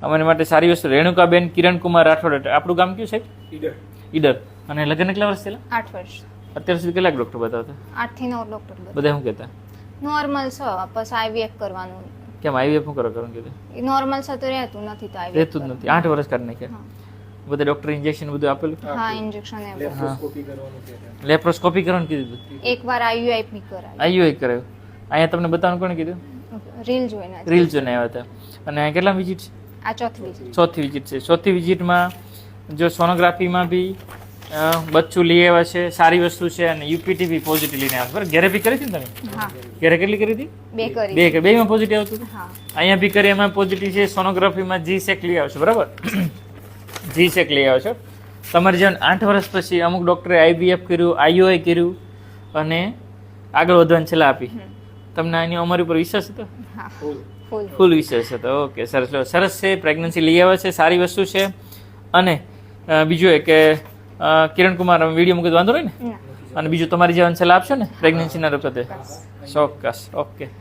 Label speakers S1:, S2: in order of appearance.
S1: અમારી માટે સારી વસ્તુ. રેણુકાબેન કિરણકુમાર રાઠોડ, આપણું ગામ કયું સાહેબ? ઈડર. અને લગ્ન કેટલા વર્ષ થયેલા?
S2: 8 વર્ષ.
S1: અત્યાર સુધી કેટલાક ડૉક્ટર બતાવતા?
S2: 8 થી 9 ડોક્ટર
S1: બધા શું કહેતા?
S2: નોર્મલ છે, પછી IVF કરવાનું.
S1: કેમ IVF શું કરવાનું કીધું?
S2: એ નોર્મલ છે તો રહેતું નથી, તો IVF
S1: રહેતું જ નથી. 8 વર્ષ કાઢી નાખ્યા. બધા ડૉક્ટર ઇન્જેક્શન બધું આપેલું?
S2: હા, ઇન્જેક્શન એ
S1: લેપ્રોસ્કોપી કરવાનું કીધું?
S2: એકવાર IUI બી કરાવી.
S1: IUI કરાયું. અહીંયા તમને બતાવવાનું કોણે કીધું?
S2: રીલ જોઈને.
S1: રીલ જોઈને આવ્યા હતા. અને અહીંયા કેટલા વિઝિટ છે?
S2: આ ચોથી વિઝિટ.
S1: ચોથી વિઝિટ છે. ચોથી વિઝિટમાં જો સોનોગ્રાફીમાં બી બચ્ચું લઈ આવ્યા છે, સારી વસ્તુ છે. અને UPT બી પોઝિટિવ લઈને આવ્યા. બરાબર, ઘરે બી કરી હતી ને તમે?
S2: હા,
S1: ઘરે કેટલી કરી હતી?
S2: 2 કરી.
S1: બેમાં પોઝિટિવ આવતું હતું?
S2: હા.
S1: અહીંયા બી કરી, એમાં પોઝિટિવ છે. સોનોગ્રાફીમાં G-Sec લઈ આવશો. બરાબર, G-Sec લઈ આવશો. તમારે જેમ 8 વર્ષ પછી અમુક ડૉક્ટરે IVF કર્યું, IUI કર્યું અને આગળ વધવાની સલાહ આપી. તમને આની અમારી ઉપર વિશ્વાસ હતો?
S2: હા,
S1: ફૂલ વિશ્વાસ હતો. ઓકે, સરસ. સરસ છે. પ્રેગ્નન્સી લઈ આવે છે, સારી વસ્તુ છે. અને બીજું એ કે કિરણકુમાર વિડીયો મૂકી વાંધો નહીં ને? અને બીજું તમારી જેવાની સલાહ આપશો ને પ્રેગ્નન્સીના વખતે? ચોક્કસ. ઓકે.